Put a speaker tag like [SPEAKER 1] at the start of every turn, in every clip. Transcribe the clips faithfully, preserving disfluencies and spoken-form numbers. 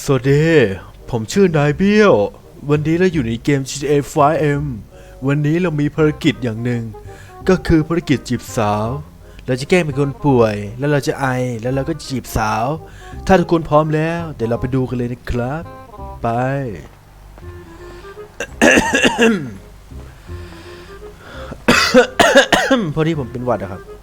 [SPEAKER 1] สวัสดีผมชื่อนายเบี้ยววันนี้เราอยู่ในเกม จี ที เอ ไฟว์ เอ็ม วันนี้เรามีภารกิจอย่างหนึ่งก็คือภารกิจจีบสาวเราจะแกล้งเป็นคนป่วยแล้วเราจะไอแล้วเราก็จีบสาวถ้าทุกคนพร้อมแล้วเดี๋ยวเราไปดูกันเลยนะครับไป พอดีผมเป็นหวัดอะครับ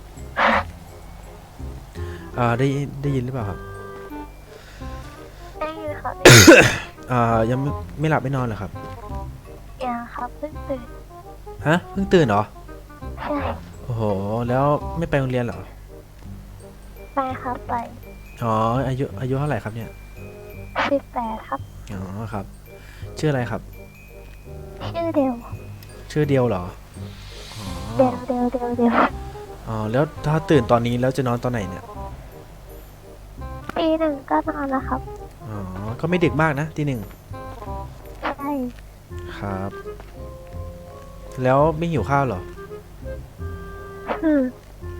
[SPEAKER 1] อ่าได้ได้ยินหรือเปล่าครับ
[SPEAKER 2] ได้ยินค่ะ
[SPEAKER 1] อ่ายังไม่ไม่หลับไม่นอนเหรอครับ
[SPEAKER 2] ยังครับเพิ่งตื่น
[SPEAKER 1] ฮะเพิ่งตื่นเหรอ
[SPEAKER 2] ใช่
[SPEAKER 1] โอ้โหแล้วไม่ไปโรงเรียนเหรอ
[SPEAKER 2] ไปครับไป
[SPEAKER 1] อ๋ออายุอายุเท่าไหร่ครับเนี่ย
[SPEAKER 2] สิบแปดครับ
[SPEAKER 1] อ๋อครับชื่ออะไรครับ
[SPEAKER 2] ชื่อเดียว
[SPEAKER 1] ชื่อเดียวเหรออ๋อ
[SPEAKER 2] เดียวเดียวเดียวเดียว
[SPEAKER 1] อ๋อแล้วถ้าตื่นตอนนี้แล้วจะนอนตอนไหนเนี่ย
[SPEAKER 2] ปีหนึ่งก็นอนแล้วครับ
[SPEAKER 1] อ๋อก็ไม่ดึกมากนะทีหนึ่ง
[SPEAKER 2] ใช่
[SPEAKER 1] ครับ แล้วไม่หิวข้าวเหรอ
[SPEAKER 2] อืม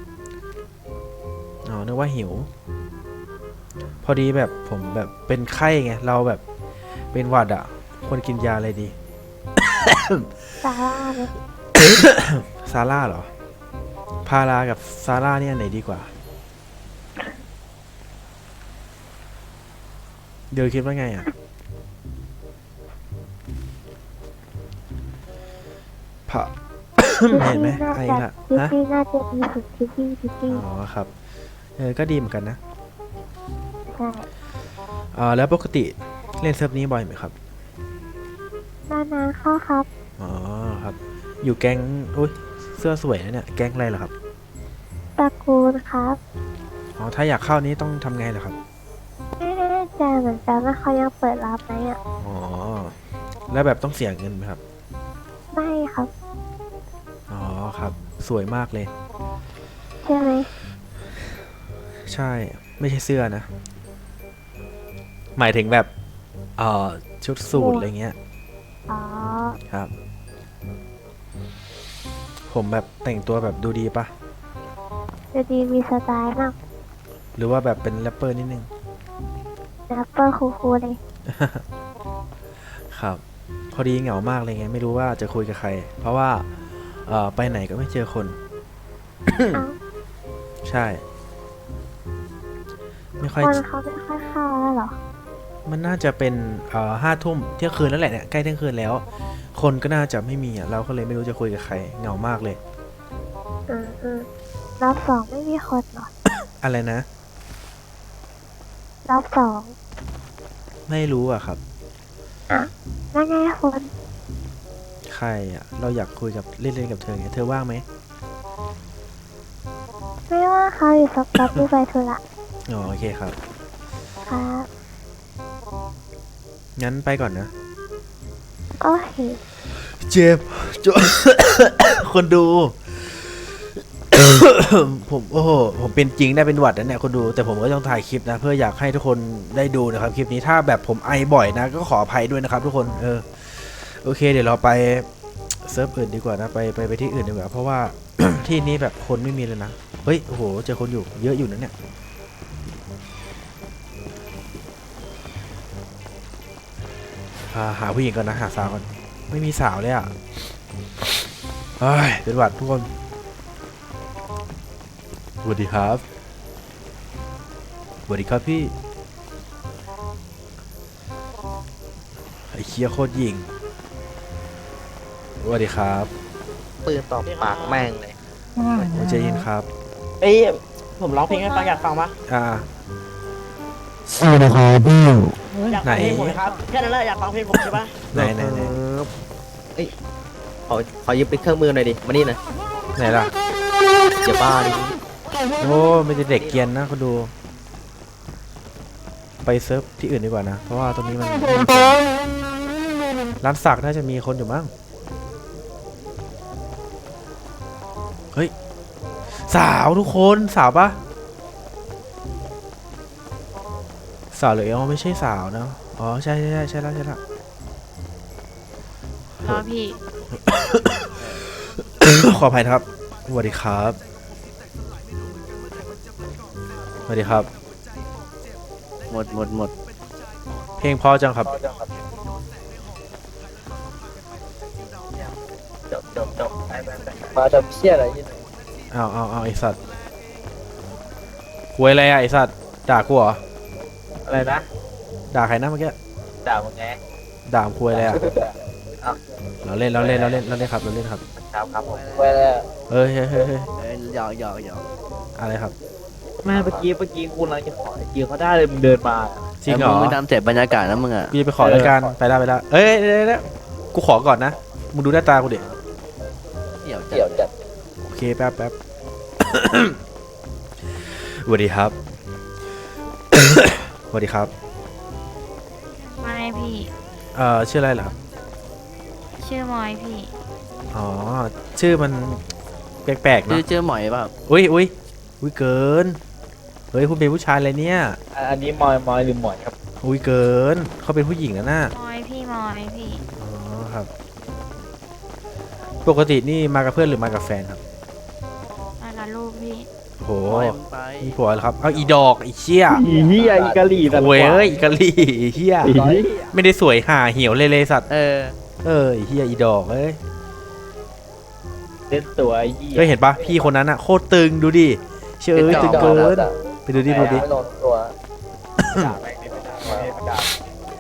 [SPEAKER 1] อ๋อนึกว่าหิว พอดีแบบผมแบบเป็นไข้ไงเราแบบเป็นหวัดอ่ะควรกินยาอะไรดี
[SPEAKER 2] ซาร่าเลย
[SPEAKER 1] ซาร่าเหรอ พารากับซาร่าเนี่ยไหนดีกว่า เดี๋ยวคิดว่าไงอ่ะ พะ เห็นไหม
[SPEAKER 2] น่า
[SPEAKER 1] ไอ้
[SPEAKER 2] จะ
[SPEAKER 1] ละ
[SPEAKER 2] ทิป
[SPEAKER 1] ฮะ
[SPEAKER 2] ปี้น่าจะดีสุดทิปปี้ทิปปี้
[SPEAKER 1] อ๋อครับ เออ ก็ดีเหมือนกันนะ
[SPEAKER 2] ใช่
[SPEAKER 1] อ่าแล้วปกติเล่นเซิร์ฟนี้บ่อยไหมครับ
[SPEAKER 2] นานๆเข้าครับ
[SPEAKER 1] อ๋อครับ อยู่แก๊งอุ้ยเสื้อสวยนะเนี่ย แก๊งอะไรเหรอครับ
[SPEAKER 2] ตระกูลครับ
[SPEAKER 1] อ๋อ ถ้าอยากเข้านี้ต้องทำไงเหรอครับ
[SPEAKER 2] ไม่แน่ใจเหมือนกันว่าเขายังเปิดรับไหมอ่ะ
[SPEAKER 1] อ๋อ แล้วแบบต้องเสียเงินไหมครับ
[SPEAKER 2] ไม่ครับ
[SPEAKER 1] อ๋อครับ สวยมากเลย
[SPEAKER 2] ใช่ไหม
[SPEAKER 1] ใช่ ไม่ใช่เสื้อนะ หมายถึงแบบเอ่อชุดสูทอะไรเงี้ย
[SPEAKER 2] อ๋อ
[SPEAKER 1] ครับ ผมแบบแต่งตัวแบบดูดีปะ
[SPEAKER 2] จะดีมีสไตล์มาก
[SPEAKER 1] หรือว่าแบบเป็นแรปเปอร์นิดนึง
[SPEAKER 2] แรปเปอร์คูลๆเลย
[SPEAKER 1] ครับ พอดีเหงามากเลยไง ไม่รู้ว่าจะคุยกับใคร เพราะว่าเอ่อไปไหนก็ไม่เจอคน
[SPEAKER 2] เอ้า
[SPEAKER 1] ใช่ ไม่ค่อย
[SPEAKER 2] คนเขาไม่ค่อยเข้าแล้วเหรอ
[SPEAKER 1] มันน่าจะเป็นเอ่อห้าทุ่มเที่ยงคืนแล้วแหละเนี่ยใกล้เที่ยงคืนแล้ว คนก็น่าจะไม่มีอ่ะเราก็เลยไม่รู้จะคุยกับใครเหงามากเลย
[SPEAKER 2] อืมอืมรอบสองไม่มีคนเหรอ
[SPEAKER 1] อะไรนะ
[SPEAKER 2] รอบสอง
[SPEAKER 1] ไม่รู้อ่ะครับ
[SPEAKER 2] นั่นไงคน
[SPEAKER 1] ใครอ่ะ เราอยากคุยกับเล่นๆกับเธอไงเธอว่างไหม
[SPEAKER 2] ไม่ว่าเขาอยู่สักแป๊บที่ไปธุระ
[SPEAKER 1] อ๋อโอเคครับ
[SPEAKER 2] ครับ
[SPEAKER 1] งั้นไปก่อนนะ
[SPEAKER 2] โอ้ย
[SPEAKER 1] เจ็บจ คนดู ผมโอ้โหผมเป็นจริงได้เป็นหวัดนะเนี่ยคนดูแต่ผมก็ต้องถ่ายคลิปนะ เพื่ออยากให้ทุกคนได้ดูนะครับคลิปนี้ถ้าแบบผมไอบ่อยนะ ก็ขออภัยด้วยนะครับ ทุกคนเออโอเค เดี๋ยวเราไปเซิร์ฟอื่นดีกว่านะไปไปไปที่อื่นดีกว่าเพราะว่า ที่นี้แบบคนไม่มีเลยนะเฮ้ยโอ้โหเจอคนอยู่เยอะอยู่นะเนี่ยอ่าหาผู้หญิงก่อนนะหาสาวก่อนไม่มีสาวเลยอ่ะเฮ้ยเป็นหวัดทุกคนสวัสดีครับสวัสดีครับพี่ไอ้เคียโคตรยิงสวัสดีครับ
[SPEAKER 3] ปืนตบปากแม่งเลย
[SPEAKER 1] โอ้ใจเย็นครับ
[SPEAKER 3] เอ้ยผมร้องเพลงให้ฟังอยากฟังปะ
[SPEAKER 1] อ่า
[SPEAKER 4] สวัสดีครับพี่
[SPEAKER 3] อยากฟังเพลงผมไหมครับแค่นั้นแหละอยากฟังเพลงผมใช่ปะ
[SPEAKER 1] ไหนไหนไหน
[SPEAKER 3] ขอขอยืมเป็นเครื่องมือหน่อยดิมานี่หน่อย
[SPEAKER 1] ไหนล่ะ
[SPEAKER 3] อย่าบ้าดิ
[SPEAKER 1] โอ้ไม่ใช่เด็กเกรียนนะคุณดู ไปเซิร์ฟที่อื่นดีกว่านะ เพราะว่าตรงนี้มันร้านสักน่าจะมีคนอยู่มั้งเฮ้ย สาวทุกคนสาวปะสาวหรือเอลไม่ใช่สาวนะอ๋อใช่ใช่ใช่ใช่แล้วใช่แล้ว
[SPEAKER 5] รอพี่
[SPEAKER 1] ขออภัยนะครับสวัสดีครับสวัสดีครับ
[SPEAKER 3] หมดหมดหมด
[SPEAKER 1] เพลงเพอจังครับ
[SPEAKER 3] จบจบจบไปไปไปมาทำเชี่ยอะไรยี่
[SPEAKER 1] เอาเอาเอาไอสัตว์คุยอะไรอะไอสัตว์ด่ากูเหรอ
[SPEAKER 3] อะไรนะ
[SPEAKER 1] ด่าใครนะเมื่อกี้
[SPEAKER 3] ด่ามึงไง
[SPEAKER 1] ด่าคุยอะไรอะ
[SPEAKER 3] เอ้า
[SPEAKER 1] เราเล่นเราเล่นเราเล่นเราเล่นครับเราเล่นครับ
[SPEAKER 3] ครับครับผมไปแล้ว
[SPEAKER 1] เอ้ยเฮ้ยเฮ้ยเฮ้ย
[SPEAKER 3] เอ้ยหยอกหยอกหยอก
[SPEAKER 1] อะไรครับ
[SPEAKER 5] แม่เมื่อกี้เมื่อกี้คุณกำลังจะขอไอจีเขาได้เลยมึงเดินมา
[SPEAKER 1] จริงเหรอ
[SPEAKER 3] มึงทำเจ็บบรรยากาศนะมึงอ่ะ
[SPEAKER 1] กูจะไปขอรายการไปได้ไปได้เอ้ยเดี๋ยวเดี๋ยวเดี๋ยวกูขอก่อนนะมึงดูหน้าตากูดิ
[SPEAKER 3] เกี่ยวเกี่ยวจัด
[SPEAKER 1] โอเคแป๊บแป๊บ สวัสดีครับ สวัสดีครับ
[SPEAKER 2] ไม่พี่
[SPEAKER 1] เอ่อชื่ออะไรเหรอครับ
[SPEAKER 2] ชื่อมอยพี่
[SPEAKER 1] อ๋อชื่อมันแปลกๆ
[SPEAKER 3] ชื่อ
[SPEAKER 1] เนาะ
[SPEAKER 3] ชื่อหมอยเปล่า
[SPEAKER 1] อุ้ยอุ้ยอุ้ยเกินเฮ้ยคุณเป็นผู้ชายเลยเนี่ย
[SPEAKER 5] อ่ะอันนี้มอยมอยหรือหมอยครับ
[SPEAKER 1] อุ้ยเกินเขาเป็นผู้หญิงนะน่ะ
[SPEAKER 2] มอยพี่มอยพี่
[SPEAKER 1] อ๋อครับ ปกตินี่มากับเพื่อนหรือมากับแฟนครับ
[SPEAKER 2] มากับลูกพี่
[SPEAKER 1] โห
[SPEAKER 3] หมอยมึงไป
[SPEAKER 1] มีผัวแล้วครับเอาอีดอกอีเชี่ย
[SPEAKER 5] อีเหี้ยอีกะหรี่แต่ละ
[SPEAKER 1] โว้ยเอ้ยอีกะลี่อีเฮีย
[SPEAKER 5] อีเหี้ย
[SPEAKER 1] ไม่ได้สวยห่าเหี่ยวเลยเลยสัตว์
[SPEAKER 3] เออ
[SPEAKER 1] เอออีเฮียอีดอกเอ้ย
[SPEAKER 5] เล่นตัวไอ้เหี้ย
[SPEAKER 1] ก็เห็นปะพี่คนนั้นอะโคตรตึงดูดิเชื่อเอ้ยตึงเกินไปดูดิดูดิ
[SPEAKER 3] ไม่ลงตัว
[SPEAKER 5] ด่าแม่งดิไม่ด่าแม่งไม่ด่า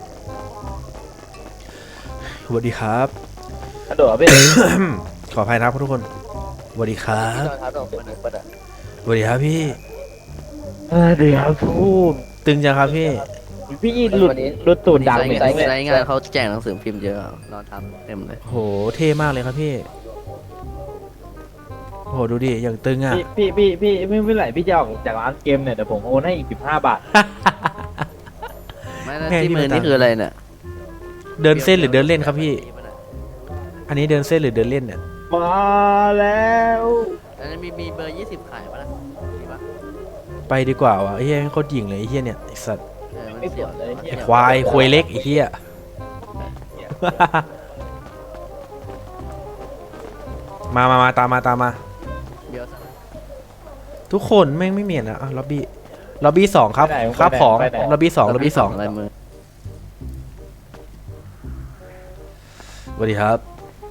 [SPEAKER 1] สวัสดีครับ
[SPEAKER 5] กระโดดไป
[SPEAKER 1] ขออภัยนะครับทุกคนสวัสดีครับ
[SPEAKER 3] นอนทับลงเป็นหนึ่งประดับ
[SPEAKER 1] สวัสดีครับพี่
[SPEAKER 5] เออเดี๋ยวพูด
[SPEAKER 1] ตึงจังครับพี่
[SPEAKER 5] พี่หลุดหลุดตูดดัง
[SPEAKER 3] ไซ
[SPEAKER 5] เหมือน
[SPEAKER 3] ไซ
[SPEAKER 5] กัน
[SPEAKER 3] ไซงานเขาแจกหนังสือพิมพ์เยอะนอนทับเต็มเลย
[SPEAKER 1] โหเท่มากเลยครับพี่โหดูดิอย่างตึงอะ
[SPEAKER 5] พี่พี่พี่พี่ไม่เมื่อไหร่พี่จะออกจากร้านเกมเนี่ยเดี๋ยวผมโอนให้อีกสิบห้าบาท
[SPEAKER 3] ไม่นะที่มือนี่คืออะไรเนี่ย
[SPEAKER 1] เดินเส้นหรือเดินเล่นครับพี่ อันนี้เดินเส้นหรือเดินเล่นเนี่ย
[SPEAKER 5] มาแล้ว
[SPEAKER 3] อันนี้มีมีเบอร์ยี่สิบขายปะล่ะมีปะ
[SPEAKER 1] ไปดีกว่าวะไอ้เฮียโคตรหยิ่งเลยไอ้เฮียเนี่ยไอ้สัตว์
[SPEAKER 3] เออมัน
[SPEAKER 5] ไม่
[SPEAKER 3] เสี
[SPEAKER 5] เสี
[SPEAKER 3] ย
[SPEAKER 5] ยว วเลย
[SPEAKER 1] ไอ้ควายควายเล็กไอ้เฮีย มามามาตามมาตามมา
[SPEAKER 3] เดี๋ยว
[SPEAKER 1] ทุกคนแม่งไม่เหมียนอะอ่ะล็อบบี้ล็อบบี้สองครับครับของล็อบบี้สองล็อบบี้สอง
[SPEAKER 3] อะไรมือ
[SPEAKER 1] สวัสดีครับ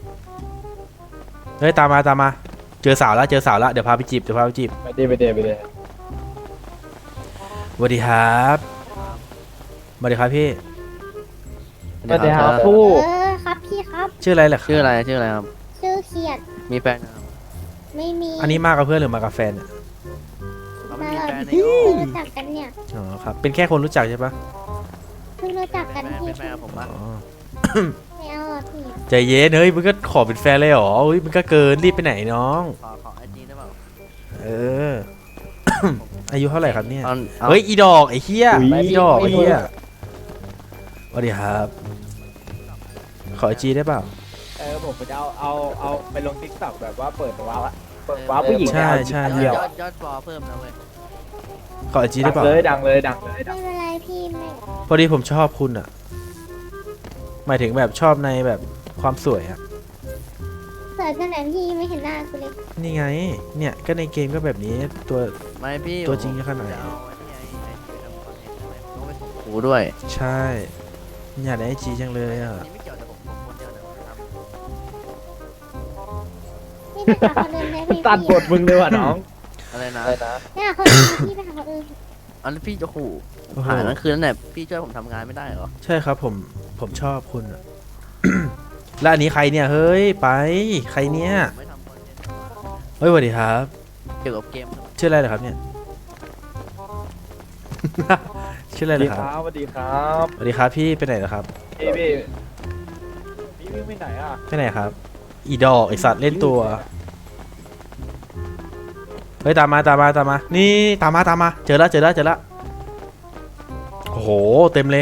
[SPEAKER 1] เฮ้ยตามมาตามมาเจอสาวแล้วเจอสาวแล้วเดี๋ยวพาไปจีบเดี๋ยวพาไปจีบ
[SPEAKER 5] ไปเดไปเดไปเด
[SPEAKER 1] สวัสดีครับสวัสดีครับพี่
[SPEAKER 5] สวัสดีครับผู้
[SPEAKER 2] เออครับพี่ครับ
[SPEAKER 1] ชื่ออะไรเหรอครับ
[SPEAKER 3] ชื่ออะไรชื่ออะไรครับ
[SPEAKER 2] ชื่อเขียด
[SPEAKER 3] มีแฟนยังครับ
[SPEAKER 2] ไม่มี
[SPEAKER 1] อันนี้มากับเพื่อนหรือมากับแฟนเนี่ย
[SPEAKER 3] เขาไม่
[SPEAKER 2] มา
[SPEAKER 3] มี
[SPEAKER 2] กับ
[SPEAKER 3] แฟนใน
[SPEAKER 2] พี่
[SPEAKER 3] โอ้
[SPEAKER 2] เพิ่งรู้จักกันเนี่ย
[SPEAKER 1] อ๋อครับเป็นแค่คนรู้จักใช่ปะ
[SPEAKER 2] เพิ่งรู้จัก
[SPEAKER 3] เป็
[SPEAKER 2] กัน น
[SPEAKER 3] แฟน
[SPEAKER 2] พี่
[SPEAKER 3] เป็นแฟนกับผมปะ
[SPEAKER 1] อ๋อ
[SPEAKER 2] ไม่เอาอ่ะพี่
[SPEAKER 1] ใจเย็นเฮ้ยมึงก็ขอเป็นแฟนเลยเหรอเฮ้ยมึงก็เกินรีบไปไหนน้อง
[SPEAKER 3] ขอขอไอจีได้เปล่า
[SPEAKER 1] เออ อายุเท่าไหร่ครับเนี่ย
[SPEAKER 3] เอาอา
[SPEAKER 1] เฮ้ยอีดอกไอ้เหี้ยอีดอกไอ้เหี้ยสวัสดีครับ ขอจีได้เปล่า
[SPEAKER 5] เออผมจะเอาเอาเอาไปลงทิกตอกแบบว่าเปิดว้าวอะเปิดว้าวผู้หญิง
[SPEAKER 1] ใช่ใช่
[SPEAKER 5] เดียวย
[SPEAKER 3] อดยอดฟอลเพิ่มนะเว้ย
[SPEAKER 1] ขอจี
[SPEAKER 5] ดั
[SPEAKER 1] ได้
[SPEAKER 5] ง
[SPEAKER 1] เปล่า
[SPEAKER 5] เลยดังเลยดังเลยดั
[SPEAKER 2] ไม่
[SPEAKER 5] ง
[SPEAKER 2] เป็นไรพี่ไม่
[SPEAKER 1] พอดีผมชอบคุณอะหมายถึงแบบชอบในแบบความสวยอะ
[SPEAKER 2] เสิร์ชกันไหนพี่ไม่เห็นหน้ากูเลย
[SPEAKER 1] นี่ไง เนี่ยก็ในเกมก็แบบนี้ตัว
[SPEAKER 3] ไม่พี่
[SPEAKER 1] ตัวจริงจะขนาดไหน
[SPEAKER 3] จะเอาไอ้นี่ไอ้ไอ้ที่ทำคอนเทนต์ใช่ไหมต้องไปส่งครูด้วย
[SPEAKER 1] ใช่อยากได้ไอจีจังเลยอะ
[SPEAKER 3] อันนี้ไม่เกี่ยวแต่ผมผมคนเดียวนะผมทำ
[SPEAKER 2] พี่ไปหาคนอื่นได้พี่
[SPEAKER 5] ตัดบทมึงเลยว่ะน้อง
[SPEAKER 3] อะไรนะ
[SPEAKER 2] เนี่ยคนอื่นพี่ไปหาคนอื่น
[SPEAKER 3] อันนี้พี่จะขู่
[SPEAKER 1] โอ้โห
[SPEAKER 3] หานั่นคือนั่นแหละพี่ช่วยผมทำงานไม่ได้เหรอ
[SPEAKER 1] ใช่ครับผมผมชอบคุณอะ แล้วอันนี้ใครเนี่ยเฮ้ยไปใครเนี่ย
[SPEAKER 3] ผมไม่ทำคอนเทนต์
[SPEAKER 1] เฮ้ยสวัสดีครับ
[SPEAKER 3] เกี่ยวกับเกม
[SPEAKER 1] ชื่ออะไรเหรอครับเนี่ย ชื่ออะไร
[SPEAKER 5] สวัส
[SPEAKER 1] เหร
[SPEAKER 5] ดี
[SPEAKER 1] อค
[SPEAKER 5] ค
[SPEAKER 1] รั
[SPEAKER 5] รั
[SPEAKER 1] บบ
[SPEAKER 5] สวัสดีครับ
[SPEAKER 1] สวัสดีครับพี่ไปไหนเหรอครับ
[SPEAKER 5] พี่พี่พี่วิ่งไปไหนอ่ะ
[SPEAKER 1] ไปไหนครับ อีดอกไอสัตว์เล่นตัวเฮ้ยตามมาตามมาตามมานี่ตามมาตามมาเจอแล้วเจอแล้วเจอแล้วโอ้โหเต็มเลย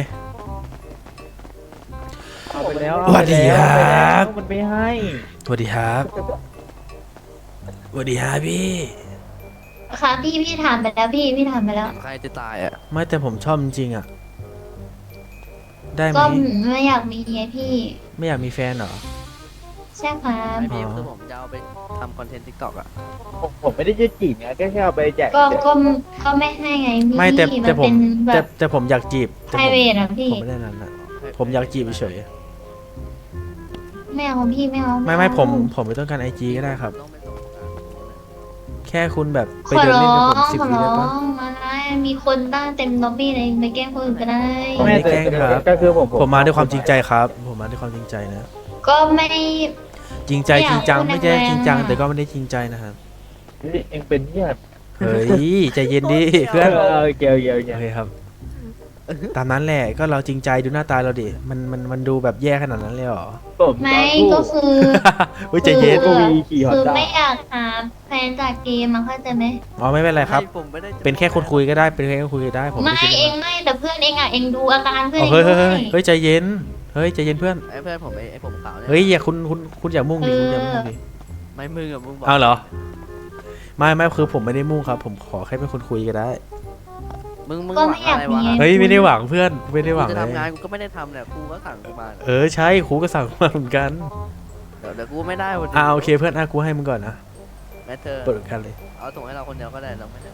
[SPEAKER 5] เอาไปแล้ว
[SPEAKER 1] สวัสดีครับ
[SPEAKER 5] มันไม่ให้
[SPEAKER 1] สวัสดีครับสวัสดีครับพี่
[SPEAKER 2] ค่ะพี่พี่ถามไปแล้วพี่พี่ถามไปแล้ว
[SPEAKER 3] ใครจะตายอ่ะ
[SPEAKER 1] ไม่แต่ผมชอบจริงๆอะได้ไหม
[SPEAKER 2] ก็ไม่อยากมีไงพี่
[SPEAKER 1] ไม่อยากมีแฟนเหรอ
[SPEAKER 2] ใช่ช่ครับ
[SPEAKER 3] ไอพี่
[SPEAKER 1] อ๋อ
[SPEAKER 3] คือผมจะเอาไปทำคอนเทนต์ทิกตอกอะ
[SPEAKER 5] ผมผมไม่ได้จะจีบไงแค่แค่เอาไปแจก
[SPEAKER 2] ก็
[SPEAKER 5] เฉย
[SPEAKER 2] ก็ก็ไม่ให้ไงพี่
[SPEAKER 1] ไม่แต่แต่ผม
[SPEAKER 2] นเป็นแบ
[SPEAKER 1] แต่
[SPEAKER 2] บ
[SPEAKER 1] แต่ผมอยากจีบแต่
[SPEAKER 2] ไพร
[SPEAKER 1] ผม
[SPEAKER 2] เวทอะพี่
[SPEAKER 1] ผมไม่ได้นั้นนะผมอยากจีบเฉย
[SPEAKER 2] ไม่เอาพี่ไม่เอา
[SPEAKER 1] ๆไม่ไม่ผมผมไม่ต้องการไอจีก็ได้ครับ
[SPEAKER 3] ต้องไปส่งงาน
[SPEAKER 1] แค่คุณแบบไป
[SPEAKER 2] ขอ
[SPEAKER 1] เดิน
[SPEAKER 2] ร้
[SPEAKER 1] เล่น
[SPEAKER 2] อ
[SPEAKER 1] กับผม
[SPEAKER 2] ง
[SPEAKER 1] สิบ
[SPEAKER 2] ขอ
[SPEAKER 1] วิ
[SPEAKER 2] ร้
[SPEAKER 1] ได้
[SPEAKER 2] อ
[SPEAKER 1] ปะ
[SPEAKER 2] งมาได้มีคนตั้งเต็มล็อบบี้เลยไปแกล้งคนอื่นก็ได้
[SPEAKER 1] ผมไม่ได้แกล้งครับ
[SPEAKER 5] ก็คือผม
[SPEAKER 1] ผมมาด้วยความจริงใจครับ ผมมาด้วยความจริงใจนะ
[SPEAKER 2] ก็ไม่
[SPEAKER 1] จริงใจ
[SPEAKER 2] ไม่อยาก
[SPEAKER 1] จริงจัง
[SPEAKER 2] พูด
[SPEAKER 1] ไม่ใช่
[SPEAKER 2] แรงๆ
[SPEAKER 1] จริงจัง
[SPEAKER 2] อะ
[SPEAKER 1] แต่ก็ไม่ได้จริงใจนะครับ
[SPEAKER 5] เฮ้ยเองเป็นเนี่ย
[SPEAKER 1] เฮ้ยใจเย็นดิเพื่อน
[SPEAKER 5] เออเกี่ยวเกี่ยวเกี่ยว
[SPEAKER 1] โอเคครับ ตามนั้นแหละก็เราจริงใจดูหน้าตาเราดิมันมันมันดูแบบแย่ขนาดนั้นเลยเหรอ
[SPEAKER 5] ผม
[SPEAKER 2] ไม่ก็คือ
[SPEAKER 1] เฮ้ยใจเย็น
[SPEAKER 2] คือ
[SPEAKER 5] วีขี่ฮอ
[SPEAKER 2] คื
[SPEAKER 5] น
[SPEAKER 2] อ
[SPEAKER 5] ด้า
[SPEAKER 2] ไม่อยากหาแฟนจากเกมมันเข้าใจไหม
[SPEAKER 1] อ๋อไม่เป็นไรครับ
[SPEAKER 3] ไม่ผมไม่ได้จะ
[SPEAKER 1] เป็นแค่คนคุยก็ได้เป็นแค่คนคุยก็ได้ผม
[SPEAKER 2] ไม่
[SPEAKER 1] คิด
[SPEAKER 2] เองไม่แต่เพื่อนเองอ่ะเองดูอาการเพื่อน
[SPEAKER 1] อ๋อ
[SPEAKER 2] เอง
[SPEAKER 1] เฮ้ย
[SPEAKER 2] ด้
[SPEAKER 1] เฮ้
[SPEAKER 2] วย
[SPEAKER 1] เฮ้ยเฮ้ยใจเย็นเฮ้ยใจเย็นเพื่อน
[SPEAKER 3] ไอเพื่อนผมไอไอผมขาวเนี่ย
[SPEAKER 1] เฮ้ยอย่าคุณคุณคุณอย่ามุ่งดิคุณอย่ามุ่งดิ
[SPEAKER 3] ไม่มึงกับมึงบอก
[SPEAKER 1] เอาเหรอไม่ไม่คือผมไม่ได้มุ่งครับ ผมขอแค่เป็นคนคุยก็ได้
[SPEAKER 3] มึงมึง
[SPEAKER 2] ก็
[SPEAKER 3] หวั
[SPEAKER 2] ไม่
[SPEAKER 3] ง
[SPEAKER 2] อยา
[SPEAKER 3] อะ
[SPEAKER 2] ก
[SPEAKER 3] ไร
[SPEAKER 2] มี
[SPEAKER 3] วะ
[SPEAKER 2] ไง
[SPEAKER 1] เฮ้ยไม่ได้หวังเพื่อนไม่ได้หวัง
[SPEAKER 3] กูจะ
[SPEAKER 1] เลย
[SPEAKER 3] ทำงานกูก็ไม่ได้ทำเนี่ยครูก็สั่งกูมา
[SPEAKER 1] เออใช่ครูก็สั่งมาเหมือนกัน
[SPEAKER 3] เดี๋ยวเดี๋ยวกูไม่ได้วันนี้
[SPEAKER 1] อ่าโอเคเพื่อนอ่ะกูให้มึงก่อนนะ
[SPEAKER 3] แม่เธอ
[SPEAKER 1] เปิดกันเลย
[SPEAKER 3] เอาส่งให้เราคนเดียวก็ได้เราไม่ได้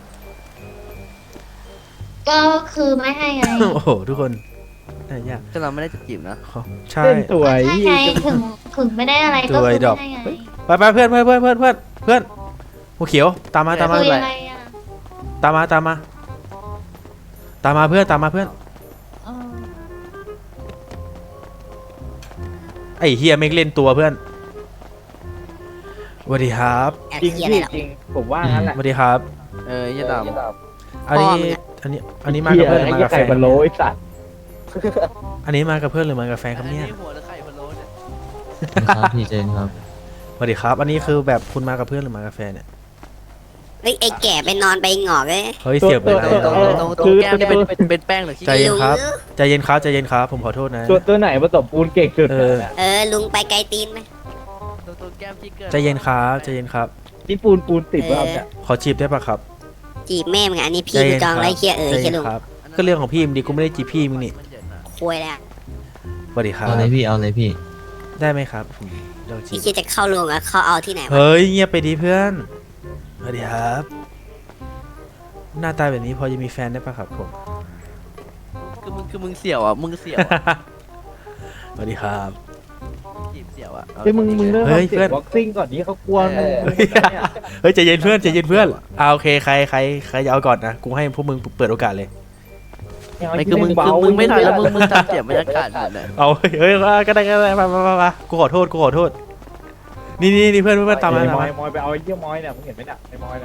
[SPEAKER 2] ก็คือไม่ให้ไง
[SPEAKER 1] โอ้โหทุกคนน่ายาก
[SPEAKER 3] ก็เราไม่ได้จะจีบนะ
[SPEAKER 1] ใช่
[SPEAKER 5] เล่นสวย
[SPEAKER 2] ใช่ไงถึงถึงไม่ได้อะไรก็
[SPEAKER 1] ตั
[SPEAKER 2] คือ
[SPEAKER 1] วไอ้ดอก
[SPEAKER 2] ไม่ให้ไง
[SPEAKER 1] ไปไปเพื่อนเพื่อนเพื่อนเพื่อนเพื่อนเพื่อนหัวเขียวตามมาตามมา
[SPEAKER 2] คือยังไงอ่ะ
[SPEAKER 1] ตามมาตามมาตามมาเพื่อนตามมาเพื่อน
[SPEAKER 2] เออ
[SPEAKER 1] ไอ้เฮียไม่งเล่นตัวเพื่อนสวัสดีครับ
[SPEAKER 5] จริงพี่จริงผมว่างั้นแหละ
[SPEAKER 1] สวัสดีครับ
[SPEAKER 3] เออยี่ด
[SPEAKER 1] อันนี้อันนี้อันนี้มากับเพื่อนหรือมากับแฟ
[SPEAKER 5] ไก่
[SPEAKER 1] น
[SPEAKER 5] พะโล้ไอ้สัตว์
[SPEAKER 1] อันนี้มากับเพื่อนหรือมากับแฟนครับเนี่ย
[SPEAKER 3] หัวหรือไข่พะโล้เนี่ย
[SPEAKER 4] ครับพี่เจนครับ
[SPEAKER 1] สวัสดีครับ อันนี้คือแบบคุณมากับเพื่อนหรือมากับแฟนเนี่ย
[SPEAKER 6] เฮ้ยไอ้แก่ไปนอนไปหงอกเลย
[SPEAKER 1] เฮ้ยเสียงเป็นไร
[SPEAKER 3] ตรง
[SPEAKER 1] อะ
[SPEAKER 3] ตรงตรงแก้มนี่เป็นเป็นเป็นแป้งหรือขี้
[SPEAKER 1] ใจเย็นครับใจเย็นครับใจเย็นครับผมขอโทษนะ
[SPEAKER 5] ตัวตัวไหนผสมปูนเก่งสุด
[SPEAKER 1] เออ
[SPEAKER 6] เออลุงไปไกลตีนไหม
[SPEAKER 3] ตรงตรงแก้มที่เกิน
[SPEAKER 1] ใจเย็นครับใจเย็นครับ
[SPEAKER 5] นี่ปูนปูนติดว่าเนี่ย
[SPEAKER 1] ขอจีบได้ปะครับ
[SPEAKER 6] จีบแม่มึงอะอันนี้พี่
[SPEAKER 1] ใจ
[SPEAKER 6] กู
[SPEAKER 1] เย็น
[SPEAKER 6] จอง
[SPEAKER 1] ครับ
[SPEAKER 6] ไรเคลียร์เออ
[SPEAKER 1] ใจ
[SPEAKER 6] เคลี
[SPEAKER 1] เย็
[SPEAKER 6] ยร์ลุง
[SPEAKER 1] นครับ ก็เรื่องของพี่มึงดิกูไม่ได้จีบพี่มึงนี่
[SPEAKER 3] มันเย็นอะ
[SPEAKER 6] คุยแล้ว
[SPEAKER 1] สวัสดีครับ
[SPEAKER 4] เอาเลยพี่เอาเลยพี่
[SPEAKER 1] ได้ไหมครับผมลองจี
[SPEAKER 6] ไอ้
[SPEAKER 1] บ
[SPEAKER 6] เคียจะเข้าลุงอะเข้าเอาที่ไหนวะ
[SPEAKER 1] เฮ้ยเงียบไปดีเพื่อนสวัสดีครับ หน้าตาแบบนี้พอจะมีแฟนได้ปะครับผม
[SPEAKER 3] คือมึงคือมึงเสี่ยวอ่ะมึงเสี่ยวอะ
[SPEAKER 1] สวัสดีครับ
[SPEAKER 3] จีบเสี่ยวอ่ะ
[SPEAKER 5] เฮ้ยมึงมึงเริ่ม
[SPEAKER 1] เฮ้ย
[SPEAKER 5] ทำเสี
[SPEAKER 1] เพื่
[SPEAKER 5] ย
[SPEAKER 1] อน
[SPEAKER 5] งบ็อกซิ่งก่อนนี้เขากลัวมึง
[SPEAKER 1] เฮ้ยเฮ้ยใจเย็นเพื่อนใจเย็นเพื่อนอ่าโอเคใครใครใครจะเอาก่อนนะกูให้พวกมึงเปิดโอกาสเลย
[SPEAKER 3] ไม่คือมึงคือมึงไม่ทันแล้วมึงมึงทำเสียบรรยากาศหมดเลย
[SPEAKER 1] เอาเฮ้ยเฮ้ยก็ได้ก็ได้มามามามากูขอโทษกูขอโทษนี่นี่นี่เพื่อนเพื่อนตามมา
[SPEAKER 5] ไอ้
[SPEAKER 1] ตาม
[SPEAKER 5] มอ
[SPEAKER 1] มาย
[SPEAKER 5] มอยไปเอาไอ้เยี่ยมอยเนี่ยมึงเห็นไหมเนี่ยไอ้มอยเนี่ย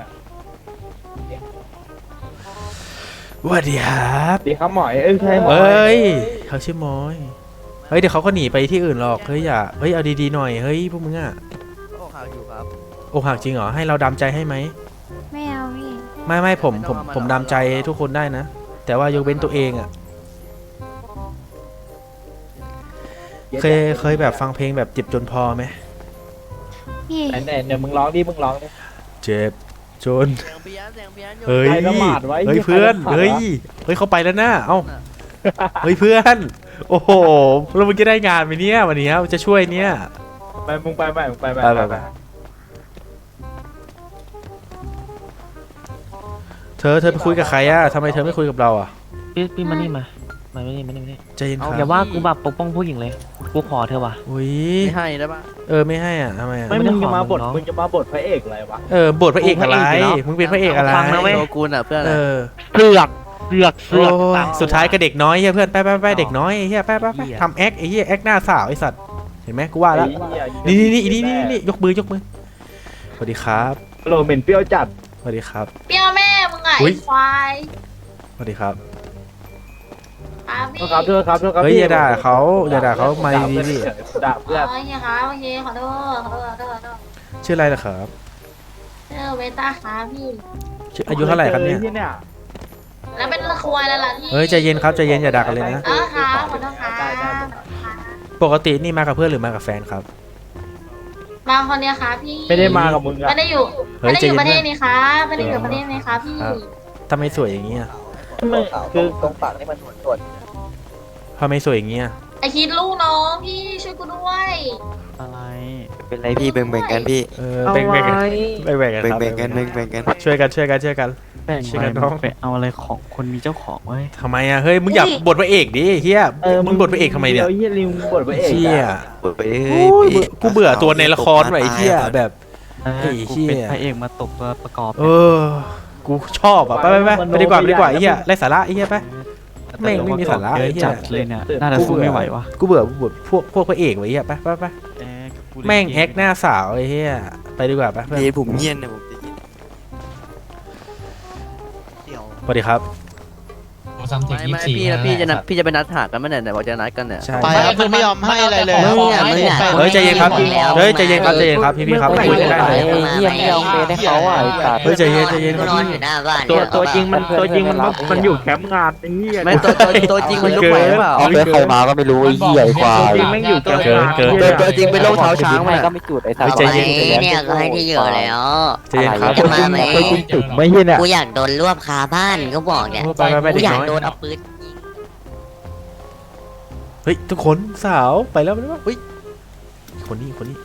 [SPEAKER 1] สวัสดีครับ
[SPEAKER 5] ดีครับหมอยเอ้ยใช่หมอย
[SPEAKER 1] เฮ้ยเขาชื่อมอยเฮ้ยเดี๋ยวเขาก็หนีไปที่อื่นหรอกเฮ้ยอย่าเฮ้ยเอาดีๆหน่อยเฮ้ยพวกมึงอ่ะ
[SPEAKER 3] โอ้ข่าวอยู่ครับ
[SPEAKER 1] อกหักจริงเหรอให้เราดำใจให้ไหม
[SPEAKER 2] ไม่เอาพี่
[SPEAKER 1] ไม่ไม่ผมผมผมดำใจทุกคนได้นะ แต่ว่ายกเว้นตัวเองอ่ะเคยเคยแบบฟังเพลงแบบเจ็บจนพอไหม
[SPEAKER 2] พี่
[SPEAKER 5] ไหนไหนเนี่ยมึงร้องดิมึงร้องดิ
[SPEAKER 1] เจ็บจน
[SPEAKER 3] เสียงเพี้ยนเสียงเพี้ยนอยู่
[SPEAKER 1] เฮ้ย
[SPEAKER 5] ใครละหมาดไว้
[SPEAKER 1] เฮ้ย
[SPEAKER 5] ใคร
[SPEAKER 1] เพื่อน
[SPEAKER 5] ละหมาดวะ
[SPEAKER 1] เฮ้ยเฮ้ยเขาไปแล้วนะเอ้าเฮ้ยเพื่อน โอ้โหแล้วมึงจะได้งานไหมเนี่ยวันนี้จะช่วยเนี่ย
[SPEAKER 5] ไปมึงไปไปมึงไปไป
[SPEAKER 1] ไปไปไป เธอเธอไปคุยกับใครอะทำไมเธอไม่คุยกับเราอะ
[SPEAKER 7] พี่พี่มานี่มา มาไม่นี่มานี่มานี่
[SPEAKER 1] ใจเย็นค
[SPEAKER 7] อย่า
[SPEAKER 1] รับ
[SPEAKER 7] ว่ากูแบบปกป้องผู้หญิงเลย กูขอเธอว่ะ
[SPEAKER 1] อุ้ย
[SPEAKER 3] ไม่ให้ได้ปะ
[SPEAKER 1] เออไม่ให้อ่ะทำไมอะ
[SPEAKER 5] ไม่
[SPEAKER 7] ไม่ได้
[SPEAKER 5] มึงจะมาบท
[SPEAKER 7] ขอมึงเนอะ
[SPEAKER 5] มึงจะมาบทพระเอกอะไรวะ
[SPEAKER 1] เออบทพระเอกอะไร
[SPEAKER 7] กูพระเอกอยู่แล้ว
[SPEAKER 1] มึงเป็นพระเอกอะไร
[SPEAKER 7] ฟังนะเว้ย
[SPEAKER 3] โชกุนอ่ะเพื่อน
[SPEAKER 1] เออ
[SPEAKER 7] เสือกเสือกเสื
[SPEAKER 1] โอ้
[SPEAKER 7] อก
[SPEAKER 1] ย
[SPEAKER 7] ตาม
[SPEAKER 1] สุดท้ายก็เด็กน้อยเฮียเพื่อนไปไปไป
[SPEAKER 7] อ๋อ
[SPEAKER 1] เด็กน้อยไอ้เฮียไปไปไป
[SPEAKER 7] เหี้ย
[SPEAKER 1] ทำแอคไอ้เฮียแอคหน้าสาวไอ้สัตว์เห็นไหมกูว่าแล้ว
[SPEAKER 5] ไอ้
[SPEAKER 1] นี่
[SPEAKER 5] เหี้ย
[SPEAKER 1] นี่นี่นี่นี่นี่ยกมือยกมือสวัสดีครับ
[SPEAKER 5] โรเหม็นเปรี้ยวจัด
[SPEAKER 1] สวัสดีครับ
[SPEAKER 2] เปรี้ยวแม่มึงอ่ะ
[SPEAKER 1] อุ๊
[SPEAKER 2] ไอ้
[SPEAKER 1] ย
[SPEAKER 2] ควาย
[SPEAKER 1] สวัสดีครับ
[SPEAKER 2] ครับ
[SPEAKER 5] โท
[SPEAKER 2] พี่
[SPEAKER 5] ษครับโทษครับโทษครับ
[SPEAKER 1] เฮ้ยอย่าด่าเขาอย่าด่าเขามาดีๆดิ
[SPEAKER 5] ด่าเพื่อน
[SPEAKER 2] โอเคครับโอเคขอโทษขอโทษขอโทษขอโทษ
[SPEAKER 1] ชื่ออะไรล่ะครับ
[SPEAKER 2] เออเวต้าครับพี่
[SPEAKER 1] ชื่ออายุเท่าไหร่ครับเนี่ย
[SPEAKER 5] ที่เนี่ย
[SPEAKER 2] แล้วเป็นละควายแล้วล่ะพี่
[SPEAKER 1] เฮ้ยใจเย็นครับใจเย็นอย่าด่ากันเลยนะ
[SPEAKER 2] เออครับขอโทษครับ
[SPEAKER 5] ได้ได้ได้
[SPEAKER 1] ปกตินี่มากับเพื่อนหรือมากับแฟนครับ
[SPEAKER 2] มาคนเดียวครับพี่
[SPEAKER 5] ไม่ได้มากับมึงอะ
[SPEAKER 2] ไม่ได้อยู่
[SPEAKER 1] เฮ้ย
[SPEAKER 2] ไม่ได้อยู่
[SPEAKER 1] ใจเย็น
[SPEAKER 2] ประเทศนี้ครับไม่ได้อยู่ประเทศนี้ครับพี่
[SPEAKER 1] ครับ ทำไมสวยอย่างเงี้ย
[SPEAKER 5] มึงคือ
[SPEAKER 3] ตรงปากนี่มันส่วน
[SPEAKER 1] ทำไมสวยอย่างเงี้ย
[SPEAKER 2] ไอคิดลูกน้องพี่ช่วยกูด้วย
[SPEAKER 7] อะไร
[SPEAKER 8] เป็นไรพี่แบ่งๆกันพี่
[SPEAKER 1] เออแบ่งแบ่งกันแบ่งแบ่งกันครับ
[SPEAKER 8] แบ่งๆกันแบ่งๆกัน
[SPEAKER 1] ช่วยกันช่วยกันช่วยกัน
[SPEAKER 9] แบ่ง
[SPEAKER 1] ช่วย
[SPEAKER 9] ไป
[SPEAKER 1] กันน้อง
[SPEAKER 9] ไปเอาอะไรของคนมีเจ้าของไว้
[SPEAKER 1] ทำไมอะเฮ้ยมึงอยากบทพระเอกดิเฮียมึงบทพระเอกทำไมเนี่ย
[SPEAKER 5] เฮียลิงบทพระเอก
[SPEAKER 1] เชี่ย
[SPEAKER 8] เปิดไปเอ้
[SPEAKER 1] โอ้ย
[SPEAKER 8] พี่
[SPEAKER 1] กูเบื่อตัวในละครว่ะไอ้เฮียแบบ
[SPEAKER 9] เออ
[SPEAKER 1] ไอ้เหี้ย
[SPEAKER 9] กูเป็นพระเอกมาตกตัวประกอบ
[SPEAKER 1] เออ กูชอบอ่ะ ไปไปไปไปดีกว่าไปดีกว่าไอ้เหี้ยไร้สาระไอ้เหี้ยไป แม่งไม่มีสาระ
[SPEAKER 9] เย
[SPEAKER 1] ไอ้
[SPEAKER 9] อะ
[SPEAKER 1] เหี้ย
[SPEAKER 9] จัดเลยเนี่ยน่าจะสู้ไม่ไหววะ
[SPEAKER 1] กูเบื่อกูเบื่อพวกพวกพระเอกไว้เหี้ยไปไปไป
[SPEAKER 9] เอ๊ะกูเลย
[SPEAKER 1] แม่งแอคหน้าสาวไอ้เหี้ยไปดีกว่าไปเพื่อน
[SPEAKER 8] พี่ผมเงียบนะผมจะยินเดี๋ยว
[SPEAKER 1] สวัสดีครับ
[SPEAKER 3] ไม่ไม่พี่นะพี่จะนัดพี่จะไปนัดหากันเมื่อไหร่ไหนบอกจะนัดกันเนี่ย
[SPEAKER 1] ใช่
[SPEAKER 10] ไปแล้วมันไม่ยอมให้อะไรเลย
[SPEAKER 6] มึงอ่ะมึงอ่ะ
[SPEAKER 1] เฮ้ยใจเย็นครับเฮ้ยใจเย็นครับใจเย็นครับพี่พี่ครับคุยกันได้ไหม
[SPEAKER 6] เยี่ยมยองเบสให้เขาอ่ะ
[SPEAKER 1] เฮ้ยใจเย็นใจเย็นครับ
[SPEAKER 6] นอน
[SPEAKER 1] พี่
[SPEAKER 6] อยู่หน้าบ้าน
[SPEAKER 5] ตัวตัวจริงมันตัวจริงมันมันอยู่แคมป์งานไอ้เหี้ย
[SPEAKER 3] ไม่ตัวตัวตัวจริงมันลุกไหวหรือเปล่า
[SPEAKER 1] เอาไปใครมาก็ไม่รู้
[SPEAKER 10] ไอ้เหี้ยไอ้ควา
[SPEAKER 5] ตัวย จริงแม่งอยู่แคมป์งาน
[SPEAKER 1] เกิน
[SPEAKER 3] ตัวตัวจริงเป็นโรคเท้าช้างมัน
[SPEAKER 9] ก็ไม่จุดไอ้
[SPEAKER 1] เฮ้ยใจเย็นใจเย็น
[SPEAKER 6] เนี่ยก็ให้ที่อยู่แล้ว
[SPEAKER 1] ใจเย็นครับ
[SPEAKER 6] จะมาไหม
[SPEAKER 5] จุดไม่เหี้ยเนี่ย
[SPEAKER 6] กูอยากโดนรวบคาบ้านก็บอกเนี่ย
[SPEAKER 1] ไปไปไป
[SPEAKER 6] กู
[SPEAKER 1] เด็ก
[SPEAKER 6] อยาก
[SPEAKER 1] น้อย
[SPEAKER 6] โดนเอาปืนยิง
[SPEAKER 1] เฮ้ยทุกคนสาวไปแล้วไปแล้วเฮ้ยคนนี้คนนี้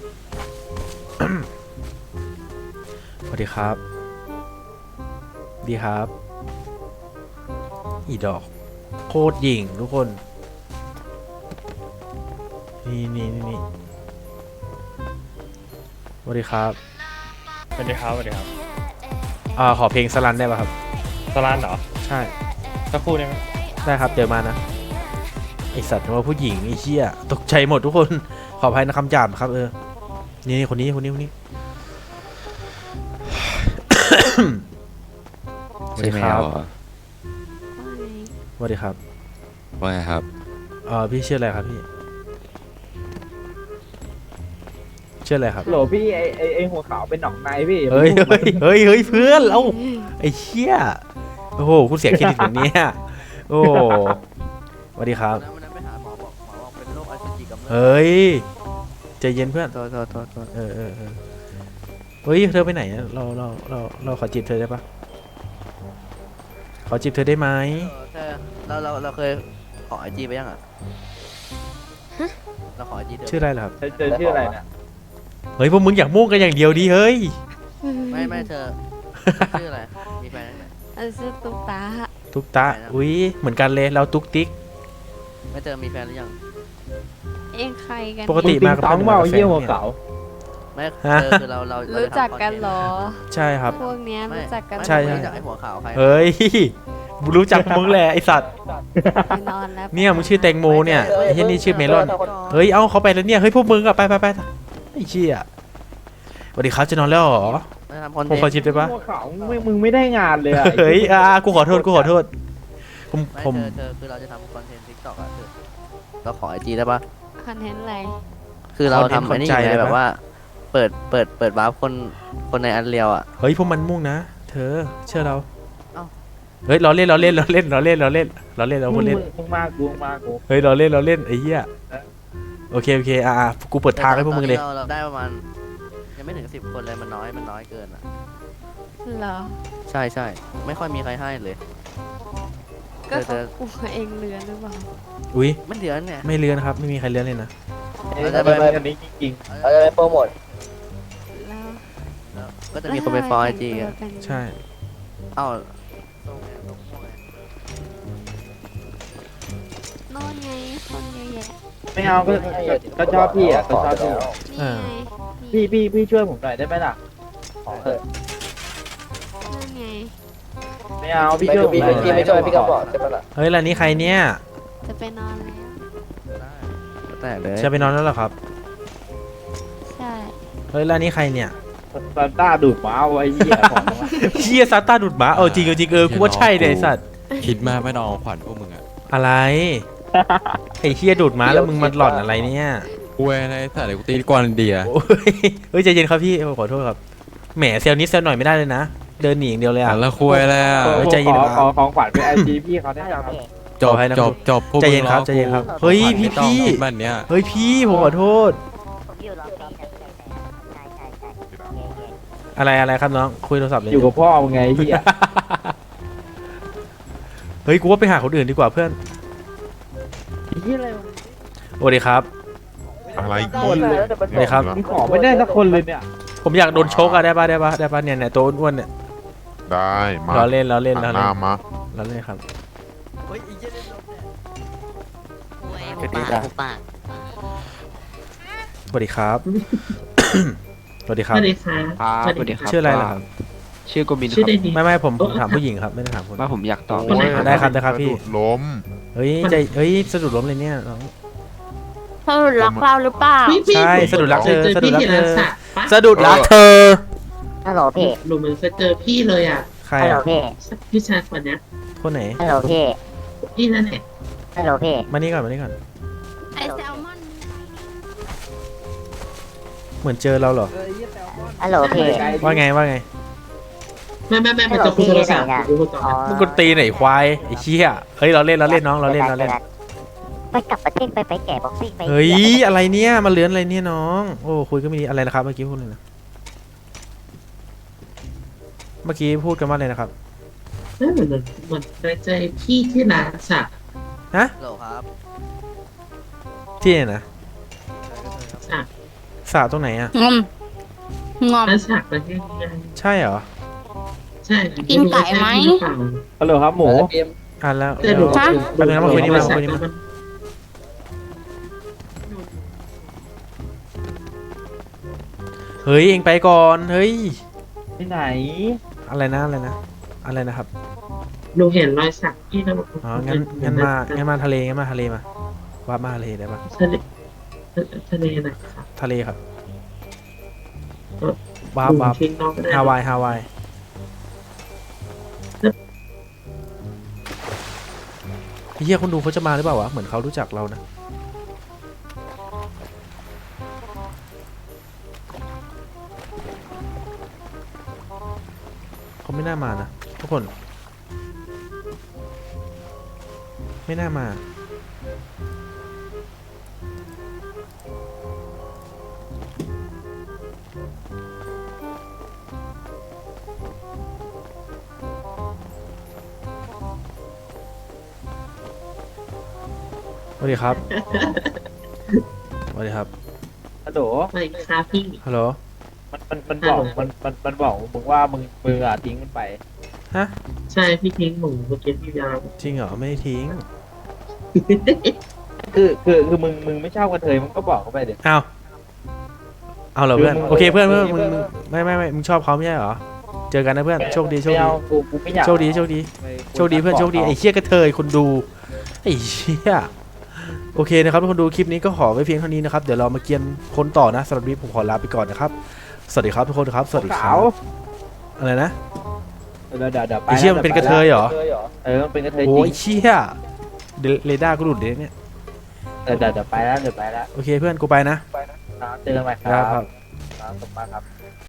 [SPEAKER 1] สวัสดีครับดีครับอีดอกโคตรหญิงทุกคนนี่นี่นี่นี่สวัสดีครับ
[SPEAKER 5] สวัสดีครับสวัสดีครับ
[SPEAKER 1] อ่าขอเพลงสลันได้ป่ะครับ
[SPEAKER 5] สลานเหรอ
[SPEAKER 1] ใช่
[SPEAKER 5] สักครู่ได้ไหม
[SPEAKER 1] ได้ครับเดี๋ยวมานะไอสัตว์ว่าผู้หญิงไอเชี่ยตกใจหมดทุกคนขออภัยนะคำหยาบครับเออนี่นี่คนนี้คนนี้คนนี้ สวัสดีครับสวัสดีครับ
[SPEAKER 8] ว่าไงครับ
[SPEAKER 1] เออพี่ชื่ออะไรครับพี่ชื่ออะไรครับ
[SPEAKER 5] โหลพี่ไอไอไอหัวขาวเป็นหนองในพี่
[SPEAKER 1] เฮ้ยเฮ้ยเฮ้ยเฮ้ยเพื่อนเราไอ้เชี่ยโอ้โหคุณเสียเครดิตแบบนี้ยโอ้สวัสดีครับ
[SPEAKER 3] วันนั้นไปหาหมอบอกหมอบอกเป็นโรคอสุจิกำเริบ
[SPEAKER 1] เฮ้ยใจเย็นเพื่อน
[SPEAKER 3] โทษโทษโทษโทษ
[SPEAKER 1] เออเออเออเฮ้ยเธอไปไหนอะเราเราเราเราขอจีบเธอได้ปะขอจีบเธอได้ไหม
[SPEAKER 3] เออเธอเราเราเราเคยขอไอจีไปยังอ่ะเราขอไอจีเดิม
[SPEAKER 1] ชื่ออะไรเหรอครับ
[SPEAKER 5] เธอเจอชื่ออะไรเนี่ย
[SPEAKER 1] เฮ้ยพวกมึงอยากมุ่งกันอย่างเดียวดิเฮ้ย
[SPEAKER 3] ไม่ไม่เธอชื่ออะไรมีแฟนยังไง
[SPEAKER 2] อันซื้อตุ๊กตา
[SPEAKER 1] ตุ๊กตาอุ้ยเหมือนกันเลยเราตุ๊กติ๊ก
[SPEAKER 3] ไม่เจอมีแฟนหรือยัง
[SPEAKER 2] เองใครกัน
[SPEAKER 1] ปกติมากับ
[SPEAKER 5] ท้อง
[SPEAKER 1] เพื่อน
[SPEAKER 5] เมา
[SPEAKER 1] หรือ
[SPEAKER 5] เยี่ย
[SPEAKER 1] กับ
[SPEAKER 5] หัว
[SPEAKER 1] แฟน
[SPEAKER 5] ขาว
[SPEAKER 3] ไม่
[SPEAKER 1] ฮะ
[SPEAKER 3] เธอคือเราเราเรา
[SPEAKER 2] รู้
[SPEAKER 3] จะทำ
[SPEAKER 2] จักกันเหรอ
[SPEAKER 1] ใช่ครับ
[SPEAKER 2] พวกเนี้ย
[SPEAKER 3] ไม่
[SPEAKER 2] รู้จักกัน
[SPEAKER 3] ไม่
[SPEAKER 1] ใช่
[SPEAKER 3] ไม่
[SPEAKER 1] ใช่
[SPEAKER 3] รู้จักไอหัวขาวใคร
[SPEAKER 1] เฮ้ยรู้จักมึงแหละไอสัตว์
[SPEAKER 2] ไปนอนแล้ว
[SPEAKER 1] เนี่ยมึงชื่อแตงโมเนี่ยไอ้ที่นี่ชื่อเมลอนเฮ้ยเอาเขาไปแล้วเนี่ยเฮ้ยพวกมึงอะไปไปไปไอ้เชี่ยสวัสดีครับจะนอนแล้วเหรอ
[SPEAKER 3] ไม่ทำคอน
[SPEAKER 1] ผม
[SPEAKER 3] เท
[SPEAKER 1] ขอน
[SPEAKER 3] ต์
[SPEAKER 1] ชิปได้ปะ
[SPEAKER 5] หัวขาวมึงมึงไม่ได้งานเลยอะ
[SPEAKER 1] เฮ้ยอ่ากูขอโทษกูขอโทษผม
[SPEAKER 3] ไม่
[SPEAKER 1] ผม
[SPEAKER 3] เธอเธอคือเราจะทำคอนเทนต์ทิกตอกอะเธอเราขอไอจีได้ปะ
[SPEAKER 2] คอนเทนต์อะไร
[SPEAKER 3] คือเราทำอันนี้ไงแบบว่า เปิดเปิดเปิดวาร์ปคนคนในอันเรียวอ่ะ
[SPEAKER 1] เฮ้ยพวกมันมุ่งนะเธอเชื่อเรา
[SPEAKER 3] เอ้า
[SPEAKER 1] เฮ้ยเราเล่นเราเล่นเราเล่นเราเล่นเราเล่นเราเล่นเรา
[SPEAKER 5] มึ
[SPEAKER 1] พู
[SPEAKER 5] ง
[SPEAKER 1] ดเล่น
[SPEAKER 5] มึงมากูมึงมากู
[SPEAKER 1] เฮ้ยเราเล่นเราเล่นไอ้เหี้ยโอเคโอเคอ่าอ่ากูเปิดทางให้พวกมึงเลย
[SPEAKER 3] ตอนนี้เราเราได้ประมาณยังไม่ถึงสิบคนเลยมันน้อยมันน้อยเกินอ่ะ
[SPEAKER 2] เหรอ
[SPEAKER 3] ใช่ใช่ไม่ค่อยมีใครให้เลย
[SPEAKER 2] ก็
[SPEAKER 3] เธ
[SPEAKER 2] เขา
[SPEAKER 3] อ
[SPEAKER 2] กลัวเองเลือนหรือเปล่า
[SPEAKER 1] อุ้ย
[SPEAKER 3] มันเดือนเนี่ย
[SPEAKER 1] ไม่เลื้อนครับไม่มีใครเลื้อนเลยนะ
[SPEAKER 5] เราจะไปอันนี้จริง
[SPEAKER 3] เราจะไปโปรโมท
[SPEAKER 2] แล้ว
[SPEAKER 3] ก็จะมีคนไปฟอลไอจี
[SPEAKER 2] แล้ว
[SPEAKER 3] อ่ะ
[SPEAKER 2] ทำไมแต่งตัวกัน
[SPEAKER 1] ใช่
[SPEAKER 3] เอ้า
[SPEAKER 2] โน่นไงคนเยอะแยะ
[SPEAKER 5] ๆไม่เอาก็ก็ชอบพี่อ่ะก็ชอบพี่
[SPEAKER 2] นี่ไง
[SPEAKER 5] พี่พี่พี่ช่วยผมหน่อยได้ไหมล่ะ
[SPEAKER 2] นั่นไง
[SPEAKER 5] ไม่เอาพี่ช่วยผมหน่อย
[SPEAKER 3] พี่ไม่ช่วยพี่ก็บอกใช่ปะล่ะ
[SPEAKER 1] เฮ้ยแล้วนี่ใครเนี่ย
[SPEAKER 2] จะไปนอนแล้ว
[SPEAKER 3] แต่เลย
[SPEAKER 1] จะไปนอนแล้วเหรอครับ
[SPEAKER 2] ใช่
[SPEAKER 1] เฮ้ยแล้วนี่ใครเนี่ย
[SPEAKER 5] ซานต้าดูดหมาเอาไว้เหี้ยของมัน
[SPEAKER 1] เชี่ยซาต้าดูดหมาเออจริงเออจริงเออกูว่าใช่เลยไอ้สัตว์
[SPEAKER 4] คิดมากไม่นอนขวัญพวกมึงอ่ะ
[SPEAKER 1] อะไรไอ้เชี่ยดูดหมาแล้วมึงมาหล่อนอะไรเนี่ย
[SPEAKER 4] กูเว้ยไอ้สัตว์เดี๋ยวกูตีกวนอินเดีย
[SPEAKER 1] โอ้ยเฮ้ยใจเย็นครับพี่ผมขอโทษครับแหมเซลล์นิดเซลล์หน่อยไม่ได้เลยนะเดินหนีอย่างเดียวเลย
[SPEAKER 4] อ่ะ
[SPEAKER 1] อ่ะ
[SPEAKER 4] แล้วคุยแล้ว
[SPEAKER 5] ขอ
[SPEAKER 1] เฮ้ยใจเย็น
[SPEAKER 5] ขอ
[SPEAKER 1] ครับ
[SPEAKER 5] ขอของขวัญเป็นไอจีพี่เขาได้ยังครับ
[SPEAKER 4] จบ
[SPEAKER 1] ให้นะ
[SPEAKER 4] จบจบพวก
[SPEAKER 1] ใจ
[SPEAKER 4] มึง
[SPEAKER 1] เย็นครับ
[SPEAKER 4] ล้อ
[SPEAKER 1] ใจเย็นครับ
[SPEAKER 4] กู
[SPEAKER 1] เฮ้ยพี่
[SPEAKER 4] ไม่ต้อง
[SPEAKER 1] พี่
[SPEAKER 4] คิดมันเนี้ย
[SPEAKER 1] เฮ้ยพี่ผมขอโทษอะไรอะไรครับน้องคุยโทรศัพท์เลย
[SPEAKER 5] อยู่กับพ่อมึงไงเหี้ย
[SPEAKER 1] เฮ้ยกูว่าไปหาคนอื่นดีกว่าเพื่อน
[SPEAKER 5] เหี้ยอะไรวะ
[SPEAKER 1] สวัสดีครับ
[SPEAKER 11] อะไร
[SPEAKER 5] คนเลย
[SPEAKER 1] สวัสดีครับ
[SPEAKER 5] ขอไม่ได้สักคนเลยเนี่ย
[SPEAKER 1] ผมอยากโดนชกอะได้ปะได้ปะได้ปะเนี่ยเนี่ยตัวอ้วนๆเนี่ย
[SPEAKER 11] ได้มา
[SPEAKER 1] เราเล่นเราเล่น
[SPEAKER 11] หั
[SPEAKER 1] เรา
[SPEAKER 11] นห
[SPEAKER 1] เล่
[SPEAKER 11] น้าน มา
[SPEAKER 1] เราเล่นครับ
[SPEAKER 6] กูปากกูปาก
[SPEAKER 1] สวัสดีครับ สวัสดีครับ
[SPEAKER 9] สวัสดีครับสวัสดีครับ
[SPEAKER 1] ชื่ออะไรล่ะครับ
[SPEAKER 9] ชื่อโกมินค
[SPEAKER 10] ชื่อ
[SPEAKER 9] รับ
[SPEAKER 10] ได้ดี
[SPEAKER 1] ไม่ไม่ผมผมถามผู้หญิงครับไม่ได้ถามคุณ
[SPEAKER 9] ว่าผมอยากตอบ
[SPEAKER 10] คนไหนครับ
[SPEAKER 1] ได้ครับได้ครับพี่
[SPEAKER 11] สะดุดล้ม
[SPEAKER 1] เฮ้ยใจเฮ้ยสะดุดล้มเลยเนี่ยน้อง
[SPEAKER 2] เธอรักเราหรือเปล่า
[SPEAKER 10] พี่พี่
[SPEAKER 1] ใช่สะดุดรักเธอ
[SPEAKER 10] ผม
[SPEAKER 1] สะดุดรักเธอ
[SPEAKER 10] พี่ที่ร้านสักปะ
[SPEAKER 1] สะดุดรักเธอ
[SPEAKER 6] ฮัลโหลพี่
[SPEAKER 10] หนูเหมือนเคยเจอพี่เลยอ่ะ
[SPEAKER 1] ใคร
[SPEAKER 6] ฮัลโหล
[SPEAKER 1] อ่ะ
[SPEAKER 6] พี่
[SPEAKER 10] พี่ชายคนเนี้ย
[SPEAKER 1] คนไหน
[SPEAKER 6] ฮัลโหลพี่
[SPEAKER 10] พี่นั่นแหละ
[SPEAKER 6] ฮัลโหลพี่
[SPEAKER 1] มานี่ก่อนมานี่ก่อน
[SPEAKER 2] ไอแซลมอน
[SPEAKER 1] เหมือนเจอเราเหรอ
[SPEAKER 6] ฮัลโหลพี่
[SPEAKER 1] ว่าไงว่าไง
[SPEAKER 10] ไม่ไม่ไม่มันจะคุยโทรศัพท์คุยโทรศัพท์
[SPEAKER 6] อ๋อ
[SPEAKER 1] มึงกดตีไหนควายไอ้เชี่ยเฮ้ยเราเล่นเราเล่นน้องเราเล่นเราเล่น
[SPEAKER 6] ไปกลับประเทศไปไปแก่บ็อกซิ่งไป
[SPEAKER 1] เฮ้ยอะไรเนี่ยมาเลื้อนอะไรเนี่ยน้องโอ้คุยก็ไม่ดีอะไรนะครับเมื่อกี้พูดเลยนะเมื่อกี้พูดกันว่าอะไรนะครับ
[SPEAKER 10] ไม่เหมือนเหมือนเหมือนเคยเจอพี่ที่ร้านสัก
[SPEAKER 1] ฮะ
[SPEAKER 3] โหลครับ
[SPEAKER 1] ที่ไหนนะ
[SPEAKER 10] สัก
[SPEAKER 1] สาตรงไหนอ่ะ
[SPEAKER 2] งอมงอม
[SPEAKER 10] ร้านสักประเทศนี้
[SPEAKER 1] ใช่เหรอ
[SPEAKER 10] ใช่
[SPEAKER 2] กินไก่ไหม
[SPEAKER 5] ฮัลโหลครับหมู
[SPEAKER 1] อ่ะแล้ว
[SPEAKER 10] แต่หนู
[SPEAKER 1] แล้ว แป๊บนึงนะมาคุยนี่มาคุยนี่มา
[SPEAKER 10] มัน
[SPEAKER 1] เฮ้ยเองไปก่อนเฮ้ย
[SPEAKER 5] ที่ไหน
[SPEAKER 1] อะไรนะอะไรนะอะไรนะครับ
[SPEAKER 10] หนูเห็นรอยสักพี่แล้ว
[SPEAKER 1] อ๋องั้นงั้นมางั้นมาทะเลงั้นมาทะเลมาว่ามาทะเลได้ปะ
[SPEAKER 10] ทะเลทะเลไหนครับ
[SPEAKER 1] ทะเลครับว้าบว้าบ
[SPEAKER 10] ทิ้งน้องก็ได้
[SPEAKER 1] ฮาวายฮาวายไอ้เฮียคนดูเขาจะมาหรือเปล่าวะเหมือนเขารู้จักเรานะเขาไม่น่ามานะทุกคน ไม่น่ามาสวัสดีครับ สวัสดีครับ
[SPEAKER 5] ฮัลโหล
[SPEAKER 10] ไม่ครับพี่
[SPEAKER 1] ฮัลโหล
[SPEAKER 5] มันมันมันบอกมันมันมันบอกมึงว่ามึงมึงอ่ะทิ้งมันไป
[SPEAKER 1] ฮะ
[SPEAKER 10] ใช่พี่ทิ้งหมูเมื่อกี้พี่ยาว
[SPEAKER 1] จริงเหรอ ไม่ได้ทิ้ง
[SPEAKER 5] คือคือคือมึงมึงไม่ชอบกระเทยมึงก็บอกเขาไปเดี๋ยว
[SPEAKER 1] เอาเอาเหรอเพื่อน
[SPEAKER 5] คือมึง
[SPEAKER 1] โอเคเพื่อนเพื่อน
[SPEAKER 5] คือ
[SPEAKER 1] มึง
[SPEAKER 5] มึง
[SPEAKER 1] มึงไม่ไม่ไม่มึงชอบเขาไม่ใช่เหรอ เจอกันนะเพื่อน โชคดีโชค
[SPEAKER 5] ไม่
[SPEAKER 1] ดี
[SPEAKER 5] เอากูกูไม่อยาก
[SPEAKER 1] โชคดีโชคดี
[SPEAKER 5] ไม่
[SPEAKER 1] โชคดีเพื่อนโชคดีไอ้เชี่ยกระเทยคนดูไอ้เชี่ยโอเคนะครับทุกคนดูคลิปนี้ก็ขอไว้เพียงเท่านี้นะครับเดี๋ยวเรามาเกียนคนต่อนะสำหรับวันนี้ผมขอลาไปก่อนนะครับสวัสดีครับทุกคนครับสวัสดีค
[SPEAKER 5] ขา
[SPEAKER 1] รับ
[SPEAKER 5] ว
[SPEAKER 1] อะไรนะ
[SPEAKER 5] เดี๋ยวเดี๋ยวเดี๋ยวไป
[SPEAKER 1] ไอ้เชี่ยมันเป็นกระเทยเหรอ
[SPEAKER 5] เออมันเป็นกระเทยจ
[SPEAKER 1] โอ้
[SPEAKER 5] ริ
[SPEAKER 1] ย
[SPEAKER 5] ง
[SPEAKER 1] เชี่ยเดเรดาร์กูหลุดเลยเนี่ย
[SPEAKER 5] เดี๋ยวเดี๋ยวเดี๋ยวไปแล้วเดี๋ยวไปแล้ว
[SPEAKER 1] โอเคเพื่อนกูไปนะ
[SPEAKER 5] เจอกันใหม่ค
[SPEAKER 1] ครั
[SPEAKER 5] รั
[SPEAKER 1] บบ ครับ
[SPEAKER 5] ครับขอบคุณมากครับ